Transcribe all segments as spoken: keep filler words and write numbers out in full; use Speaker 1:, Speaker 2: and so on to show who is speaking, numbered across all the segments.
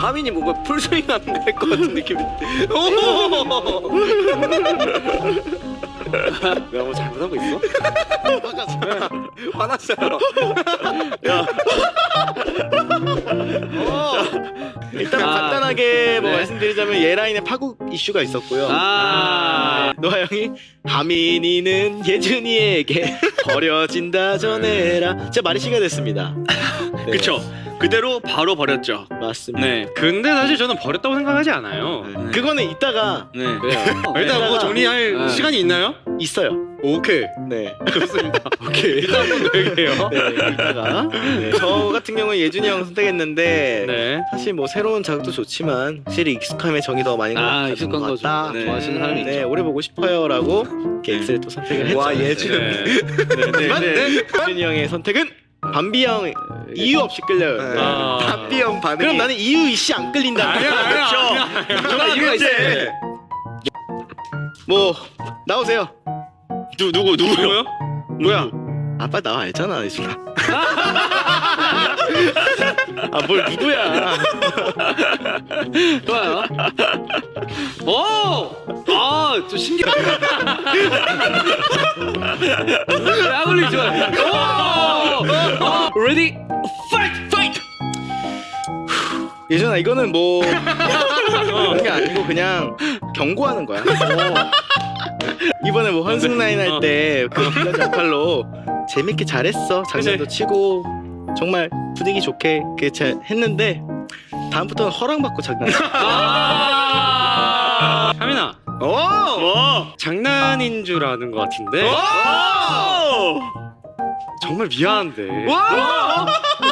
Speaker 1: 하민이 뭔가 풀스윙 안 될 것 같은 느낌이. 오! 내가 뭐 잘못하고 있어? 화났어요. 야. 일단
Speaker 2: 아,
Speaker 1: 간단하게 뭐
Speaker 2: 네.
Speaker 1: 말씀드리자면 예라인의 파국 이슈가 있었고요.
Speaker 2: 아,
Speaker 1: 노아 형이 하민이는 예준이에게 버려진다 전해라. 진짜 말이 시가 됐습니다. 네.
Speaker 3: 그쵸. 그대로 바로 버렸죠.
Speaker 1: 맞습니다.
Speaker 3: 네.
Speaker 2: 근데 사실 저는 버렸다고 생각하지 않아요.
Speaker 1: 네. 그거는 이따가
Speaker 3: 네.
Speaker 2: 그래요. 일단 뭐 정리할
Speaker 1: 네.
Speaker 2: 시간이 있나요?
Speaker 1: 있어요.
Speaker 2: 오케이.
Speaker 1: 네.
Speaker 2: 좋습니다. 오케이. 일단 한번 더 얘기해요.
Speaker 1: 네, 이따가. 네. 저 같은 경우는 예준이 형 선택했는데
Speaker 2: 네.
Speaker 1: 사실 뭐 새로운 자극도 좋지만 확실히 익숙함에 정이 더 많이
Speaker 4: 아,
Speaker 1: 가는
Speaker 4: 익숙한
Speaker 1: 것
Speaker 4: 거
Speaker 1: 같다.
Speaker 4: 좀 좋아하시는 사람이
Speaker 1: 네,
Speaker 4: 있죠.
Speaker 1: 오래 보고 싶어요라고 이렇게 엑셀 또 선택을 했죠.
Speaker 4: 와, 예준.
Speaker 1: 네. 네, 네, 네. 예준이 형의 선택은 밤비 형 이유 없이 끌려요.
Speaker 4: 네.
Speaker 2: 아.
Speaker 1: 밤비 형 반응. 그럼 나는 이유 이씨 안 끌린다.
Speaker 2: 아니야, 아니야, 아니야.
Speaker 4: 정말 이유가 있어요.
Speaker 1: 뭐 나오세요.
Speaker 3: 누 누구 누구요?
Speaker 1: 뭐야? 아빠 나와 알잖아, 예준아. 아, 뭘 누구야?
Speaker 4: 좋아요. 오! 아, 좀 신기하다. 아블리 좋아요. 오! 레디 파이트 파이트.
Speaker 1: 예준아, 이거는 뭐 그런 게 아니고 그냥 경고하는 거야. 이번에 뭐 헌승 라인 할 때그 빌런 역할로 재밌게 잘했어. 장난도 치고 정말 분위기 좋게 이렇게 잘 했는데 다음부터는 허락받고 장난.
Speaker 2: 아. 하민아,
Speaker 1: 오!
Speaker 3: 뭐?
Speaker 2: 장난인 줄 아는 것 같은데.
Speaker 3: 오!
Speaker 2: 정말 미안한데.
Speaker 1: 와!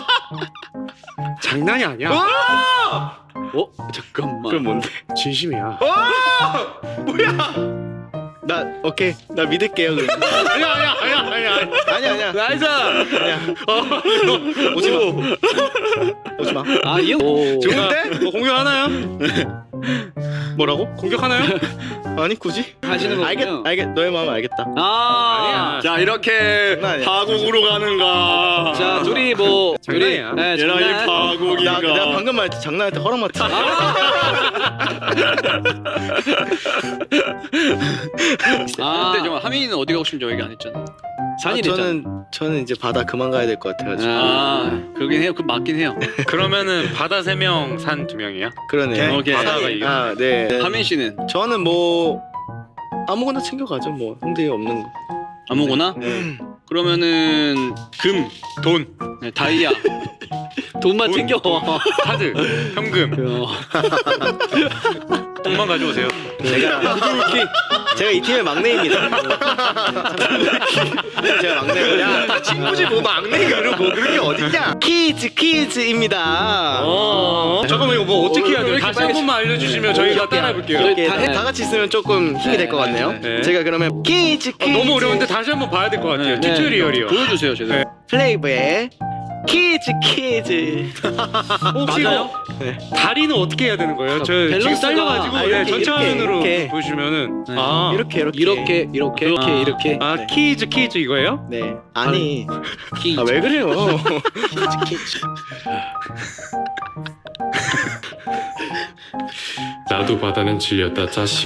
Speaker 2: 장난이 아니야.
Speaker 1: 와!
Speaker 4: 어? 잠깐만.
Speaker 1: 그럼 뭔데?
Speaker 2: 진심이야.
Speaker 1: 뭐야? 나 오케이 나 믿을게요. 그럼.
Speaker 2: 아니야, 아니야, 아니야, 아니야.
Speaker 1: 아니야 아니야
Speaker 4: 나이스.
Speaker 1: 아니야. 오지 마. 오지 마.
Speaker 4: 아, 이 형. 오.
Speaker 1: 좋은데?
Speaker 2: 뭐 공격하나요?
Speaker 1: 뭐라고?
Speaker 2: 공격하나요?
Speaker 1: 아니 굳이?
Speaker 4: 하시는 거군요.
Speaker 1: 알겠 알겠 너의 마음은 알겠다.
Speaker 4: 아.
Speaker 2: 아니야.
Speaker 3: 자 이렇게
Speaker 1: 장난 아니야.
Speaker 3: 파국으로 가는가?
Speaker 4: 자, 둘이 뭐
Speaker 2: 장난이야.
Speaker 4: 네,
Speaker 3: 예라이
Speaker 4: 장난.
Speaker 3: 파국인가?
Speaker 1: 나 내가 방금 말했지 장난할 때 허락 맞지.
Speaker 4: 아,
Speaker 5: 근데 좀 하민이는 어디 가고 싶은지 얘기 안 했잖아.
Speaker 4: 산이 됐잖아.
Speaker 1: 저는 저는 이제 바다 그만 가야 될 것 같아가지고.
Speaker 5: 아, 그러긴 해요. 그 맞긴 해요.
Speaker 2: 그러면은 바다 세 명, 산 두 명이야?
Speaker 1: 그러네요.
Speaker 5: 오케이.
Speaker 2: 바다가 이겨.
Speaker 1: 아 네.
Speaker 5: 하민 씨는
Speaker 1: 저는 뭐 아무거나 챙겨가죠. 뭐 형들이 없는 거.
Speaker 5: 아무거나?
Speaker 1: 네.
Speaker 5: 그러면은 금,
Speaker 2: 돈,
Speaker 5: 네, 다이아.
Speaker 4: 돈만
Speaker 2: 돈.
Speaker 4: 챙겨.
Speaker 2: 카드, 현금. 돈만 가져오세요.
Speaker 1: 제가 제가 이 팀의 막내입니다. 제가 막내고 야 친구지 뭐 막내 그러고 그런 게 어딨냐? 퀴즈 퀴즈입니다.
Speaker 2: 어, 잠깐만 이거 뭐 어떻게 해야
Speaker 4: 왜
Speaker 2: 돼요?
Speaker 4: 이렇게
Speaker 2: 다시 한
Speaker 4: 빨리
Speaker 2: 번만 알려주시면 저희가 따라해볼게요.
Speaker 1: 이렇게
Speaker 4: 다-
Speaker 1: 다, 다 같이 있으면 조금 힘이 될 것 같네요.
Speaker 2: 네.
Speaker 1: 제가 그러면 퀴즈
Speaker 2: 어,
Speaker 1: 퀴즈
Speaker 2: 너무 어려운데 다시 한 번 봐야 될 것 같아요.
Speaker 5: 네.
Speaker 2: 튜토리얼이요.
Speaker 5: 보여주세요, 제대로.
Speaker 2: 네.
Speaker 1: 플레이브의 퀴즈 퀴즈.
Speaker 2: 혹시
Speaker 4: 맞아요?
Speaker 2: 이거 다리는 어떻게 해야 되는 거예요? 저 지금
Speaker 4: 밸런스가-
Speaker 2: 딸려가지고
Speaker 1: 아,
Speaker 2: 네,
Speaker 1: 이렇게,
Speaker 2: 전체
Speaker 1: 이렇게,
Speaker 2: 화면으로
Speaker 1: 이렇게.
Speaker 2: 보시면은
Speaker 5: 네.
Speaker 2: 아
Speaker 1: 이렇게 이렇게
Speaker 4: 이렇게 이렇게 이렇게
Speaker 2: 아.
Speaker 4: 이렇게.
Speaker 2: 아
Speaker 1: 네.
Speaker 2: 퀴즈 퀴즈 이거예요?
Speaker 1: 네 아니
Speaker 4: 키.
Speaker 1: 아 왜 그래요? 퀴즈 퀴즈.
Speaker 6: 나도 바다는 질렸다 자식.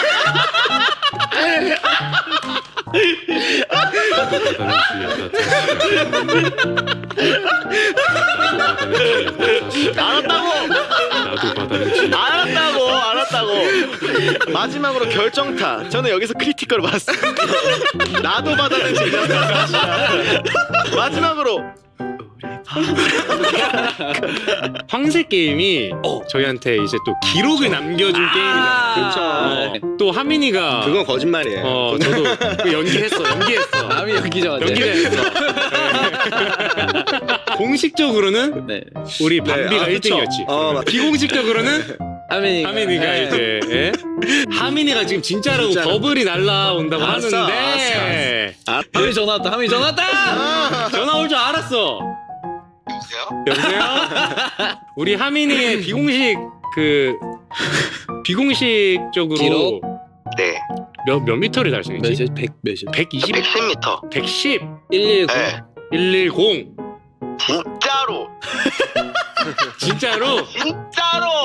Speaker 6: 나도 바다는 질렸다 자식. 나도 바다는 질렸다 자식.
Speaker 1: 알았다고
Speaker 6: 나도 바다는 질렸다.
Speaker 1: 알았다고 알았다고. 마지막으로 결정타. 저는 여기서 크리티컬을 봤어요. 나도 받아낸 질렸다 사실은. 마지막으로
Speaker 2: 황새 게임이 저희한테 이제 또 기록을 남겨준 게임이잖아요.
Speaker 4: 그렇죠.
Speaker 2: 네. 또 하민이가
Speaker 1: 그건 거짓말이에요.
Speaker 2: 어 저도 그 연기했어 연기했어
Speaker 4: 남이 연기자 같아.
Speaker 2: 연기했어. 네. 공식적으로는
Speaker 4: 네.
Speaker 2: 우리 밤비가
Speaker 1: 아,
Speaker 2: 일
Speaker 1: 그쵸.
Speaker 2: 등이었지.
Speaker 1: 어, 맞-
Speaker 2: 비공식적으로는
Speaker 4: 하민이.
Speaker 2: 하민이가
Speaker 4: 네.
Speaker 2: 이제 예? 하민이가 지금 진짜로,
Speaker 1: 진짜로.
Speaker 2: 버블이 날라온다고
Speaker 1: 알았어,
Speaker 2: 하는데
Speaker 4: 하민이 전화 왔다. 하민이 전화 왔다.
Speaker 2: 전화 올 줄 알았어. 여보세요? 우리 하민이의 비공식 그 비공식적으로
Speaker 4: 기록?
Speaker 1: 네.
Speaker 2: 몇, 몇 미터를 달성했지?
Speaker 4: 몇이 백 몇이?
Speaker 2: 백이십?
Speaker 1: 백십 미터.
Speaker 2: 백십?
Speaker 4: 일일구.
Speaker 1: 네.
Speaker 2: 일일공
Speaker 1: 진짜로.
Speaker 2: 진짜로?
Speaker 1: 진짜로.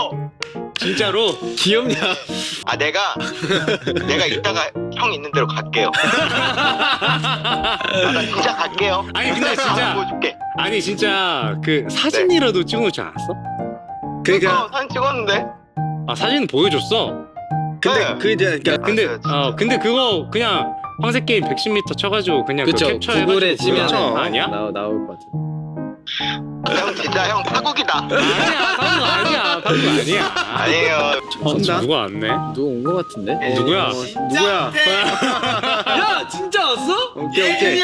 Speaker 2: 진짜로
Speaker 4: 귀엽냐?
Speaker 1: 아 내가 내가 이따가 형 있는 대로 갈게요. 아, 나 진짜 갈게요.
Speaker 2: 아니, 근데 진짜-
Speaker 1: 보여줄게.
Speaker 2: 아니 진짜 그 사진이라도 찍어놓지 않았어?
Speaker 1: 그러니까 사진 찍었는데.
Speaker 2: 아 사진 보여줬어.
Speaker 1: 근데
Speaker 3: 네.
Speaker 1: 그 이제
Speaker 2: 근데 어 근데 그거 그냥 황색 게임 백십 미터 쳐가지고 그냥
Speaker 4: 그쵸.
Speaker 2: 그 캡처해가지고
Speaker 4: 구글에 치면
Speaker 2: 그거 아니야?
Speaker 4: 나 나올 것 같아.
Speaker 1: 형 진짜 형 타국이다.
Speaker 2: 아니야 타는 거 아니야 타는 거 아니야.
Speaker 1: 아니에요.
Speaker 2: 어, 누가 왔네?
Speaker 4: 누구 온 것 같은데?
Speaker 2: 누구야?
Speaker 1: 누구야?
Speaker 4: 야 진짜 왔어?
Speaker 1: 오케이 오케이.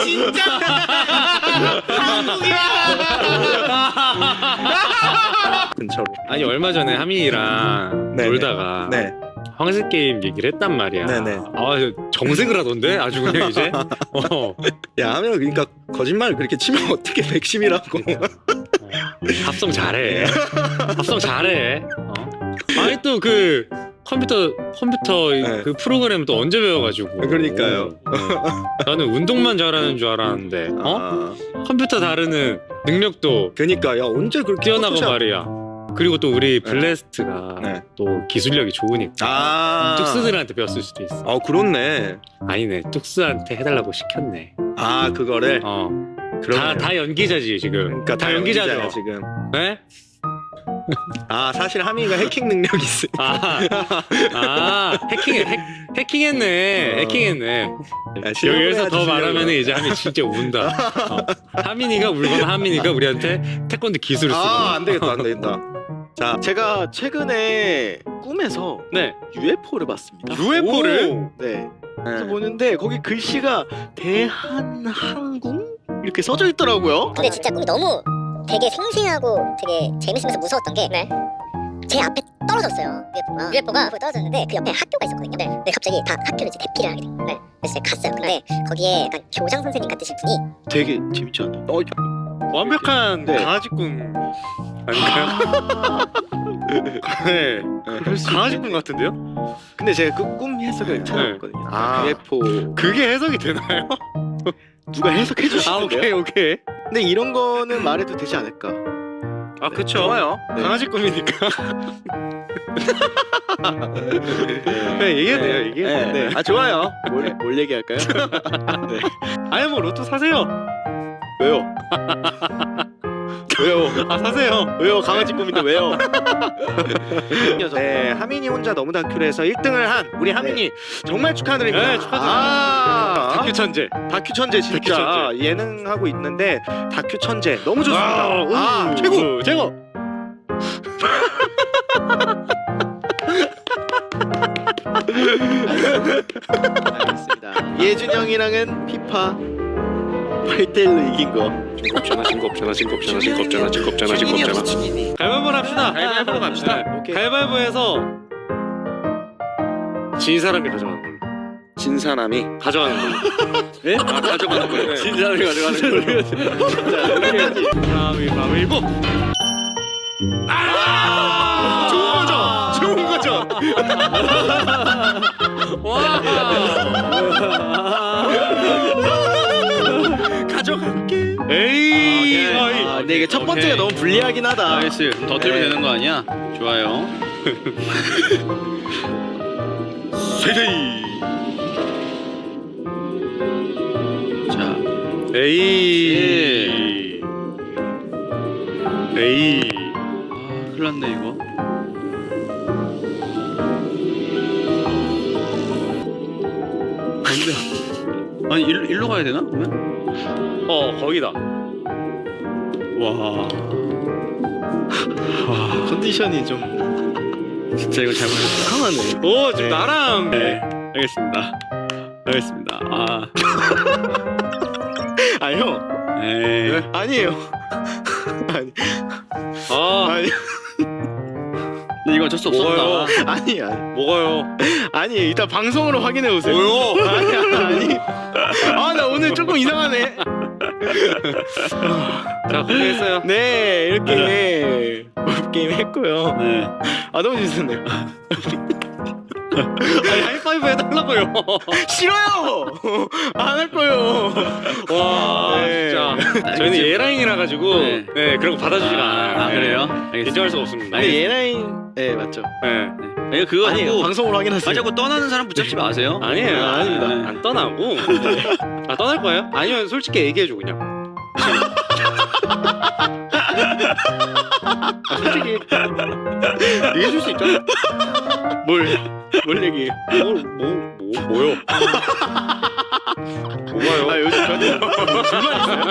Speaker 2: 근처로. 아니 얼마 전에 하민이랑
Speaker 1: 네네.
Speaker 2: 놀다가
Speaker 1: 네.
Speaker 2: 황색 게임 얘기를 했단 말이야.
Speaker 1: 네네.
Speaker 2: 아 정색을 하던데 아주 그냥 이제. 어.
Speaker 1: 야 하면 그러니까 거짓말을 그렇게 치면 어떻게 백십이라고.
Speaker 2: 합성 잘해. 합성 잘해. 어? 아니 또 그 컴퓨터 컴퓨터 이-
Speaker 1: 네.
Speaker 2: 그 프로그램 또 언제 배워가지고.
Speaker 1: 그러니까요.
Speaker 2: 어, 어. 나는 운동만 잘하는 줄 알았는데. 어?
Speaker 1: 아,
Speaker 2: 컴퓨터 다루는 능력도
Speaker 1: 그러니까 야 언제 그렇게
Speaker 2: 뛰어나고
Speaker 1: 포토샵-
Speaker 2: 말이야. 그리고 또 우리 블레스트가
Speaker 1: 네.
Speaker 2: 또 기술력이 좋으니까
Speaker 1: 아.
Speaker 2: 뚝스들한테 배웠을 수도 있어.
Speaker 1: 어 그렇네.
Speaker 2: 아니네, 뚝스한테 해달라고 시켰네.
Speaker 1: 아 그거를.
Speaker 2: 어,
Speaker 1: 그러네요.
Speaker 2: 다 다 연기자지 지금.
Speaker 1: 그러니까
Speaker 2: 다 연기자죠.
Speaker 1: 연기자야, 지금.
Speaker 2: 네?
Speaker 1: 아 사실 하민이가 해킹 능력이 있어.
Speaker 2: 아, 아 해킹 해, 해킹했네,
Speaker 1: 어.
Speaker 2: 해킹했네.
Speaker 1: 야,
Speaker 2: 여기서 더
Speaker 1: 실력을
Speaker 2: 말하면
Speaker 1: 해야지,
Speaker 2: 이제 하민 진짜 운다. 어. 하민이가 울거나 하민이가 우리한테 태권도 기술을 쓰고.
Speaker 1: 아, 안 되겠다, 안 되겠다. 자, 제가 최근에 꿈에서
Speaker 2: 네.
Speaker 1: 유에프오를 봤습니다.
Speaker 2: 유에프오를?
Speaker 1: 네. 그래서 보는데 거기 글씨가 대한항공 이렇게 써져 있더라고요.
Speaker 7: 근데 진짜 꿈이 너무 되게 생생하고 되게 재밌으면서 무서웠던 게 제 앞에 떨어졌어요. 유에프오가 유에프오가 떨어졌는데 그 옆에 학교가 있었거든요. 네. 근데 갑자기 다 학교를 이제 대피를 하게 돼. 네. 그래서 제가 갔어요. 근데 거기에 약간 교장 선생님 같으신 분이
Speaker 1: 되게 재밌지 않아요? 어,
Speaker 2: 완벽한
Speaker 1: 네.
Speaker 2: 강아지 꿈 아닌가요? 네. 강아지 꿈 같은데요?
Speaker 1: 근데 제가 그 꿈 해석을 찾아봤거든요.
Speaker 2: 아.
Speaker 1: 유에프오
Speaker 2: 그게 해석이 되나요?
Speaker 1: 누가 해석해 주시는데요?
Speaker 2: 아 오케이 오케이.
Speaker 1: 근데 이런 거는 말해도 되지 않을까?
Speaker 2: 아 그쵸.
Speaker 1: 좋아요. 네.
Speaker 2: 강아지 꿈이니까. 네 얘기해도 돼요 얘기해도 돼요.
Speaker 1: 네. 아 좋아요. 뭘, 뭘 얘기할까요? 네.
Speaker 2: 아니 뭐 로또 사세요.
Speaker 1: 왜요? 왜요?
Speaker 2: 아 사세요.
Speaker 1: 왜요? 강아지 꿈인데 왜요?
Speaker 3: 네, 하민이 혼자 너무 다큐를 해서 일 등을 한 우리 하민이 정말 축하드립니다.
Speaker 2: 네, 축하드립니다.
Speaker 3: 아,
Speaker 2: 다큐 천재.
Speaker 3: 다큐 천재 진짜
Speaker 2: 다큐 천재.
Speaker 3: 예능 하고 있는데 다큐 천재 너무 좋습니다. 아,
Speaker 2: 우,
Speaker 3: 최고.
Speaker 2: 최고.
Speaker 1: 알겠습니다. 예준 형이랑은 피파 팔 대 일로 이긴 거.
Speaker 6: 없잖아 진거 없잖아 진거 없잖아 진거 없잖아 진거 없잖아 진거 없잖아.
Speaker 2: 가위바위보 합시다.
Speaker 3: 가위바위보로 갑시다.
Speaker 2: 네.
Speaker 1: 오케이.
Speaker 2: 가위바위보에서 진 사람이 가져가는 걸로.
Speaker 3: 진 사람이
Speaker 2: 가져가는 걸로.
Speaker 3: 예? 아, 가져가는 거예요.
Speaker 2: 진 사람이 가져가는 걸로. 가위바위보. 아!
Speaker 3: 좋은 거죠. 좋은 거죠.
Speaker 2: 와.
Speaker 3: 가져갈게.
Speaker 2: 에이.
Speaker 5: 아,
Speaker 2: 어이.
Speaker 1: 아, 근데 이게 첫 번째가
Speaker 5: 오케이.
Speaker 1: 너무 불리하긴 하다.
Speaker 5: 나이스. 더 들면
Speaker 1: 네.
Speaker 5: 되는 거 아니야? 좋아요.
Speaker 3: 세제이.
Speaker 5: 자,
Speaker 2: 에이. 에이.
Speaker 5: 아, 큰일 났네 이거. 안돼. 아니 일로 일로 가야 되나 그러면?
Speaker 2: 어 거기다.
Speaker 5: 와,
Speaker 1: 컨디션이 좀
Speaker 5: 진짜 이거 잘못했다.
Speaker 1: 강하네.
Speaker 2: 오 지금
Speaker 1: 네.
Speaker 2: 나랑.
Speaker 5: 네, 알겠습니다. 알겠습니다. 아,
Speaker 1: 아 형.
Speaker 5: 에이.
Speaker 1: 아니에요. 아니
Speaker 2: 아
Speaker 1: 아니
Speaker 5: 근데 이거 어쩔 수
Speaker 2: 뭐가요?
Speaker 5: 없었다.
Speaker 1: 아니 아니
Speaker 2: 뭐가요?
Speaker 1: 아니 일단 방송으로 확인해 오세요.
Speaker 2: 뭐요?
Speaker 1: 아니 아니. 아 나 오늘 조금 이상하네.
Speaker 2: 자 고생했어요.
Speaker 1: 네 이렇게 골프 게임 했고요.
Speaker 5: 네.
Speaker 1: 아 너무 재밌었네요.
Speaker 2: 아니 하이파이브 해달라고요.
Speaker 1: 싫어요. 안 할 거예요.
Speaker 2: 와
Speaker 1: 네.
Speaker 2: 진짜 저희는 예라인이라 가지고 네.
Speaker 5: 네.
Speaker 2: 그런 거 받아주지가
Speaker 5: 아,
Speaker 2: 않아요.
Speaker 5: 아 그래요?
Speaker 2: 네.
Speaker 5: 알겠습니다.
Speaker 2: 인정할 수가 없습니다.
Speaker 1: 근데 예나인 네 맞죠.
Speaker 2: 네.
Speaker 5: 네. 그거
Speaker 1: 아니
Speaker 5: 자꾸
Speaker 1: 방송으로 확인하세요.
Speaker 5: 아 자꾸 떠나는 사람 붙잡지 마세요.
Speaker 2: 아니에요,
Speaker 1: 아,
Speaker 2: 아닙니다.
Speaker 5: 네.
Speaker 2: 안 떠나고. 아 떠날 거예요? 아니면 솔직히 얘기해줘 그냥. 아, 솔직히 얘기해줄 수 있잖아.
Speaker 1: 뭘, 뭘 얘기해.
Speaker 2: 뭐, 뭐, 뭐, 뭐요? 뭐가요?
Speaker 1: 아 요즘 저한테 불만 있어요?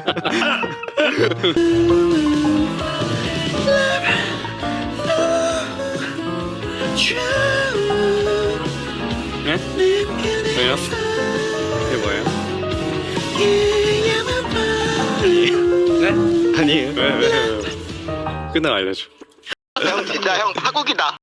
Speaker 2: 네? 왜요? 이게 뭐예요?
Speaker 1: 아니에요.
Speaker 2: 왜, 왜, 왜? 끝나고 알려줘.
Speaker 3: 형 진짜 형 파국이다.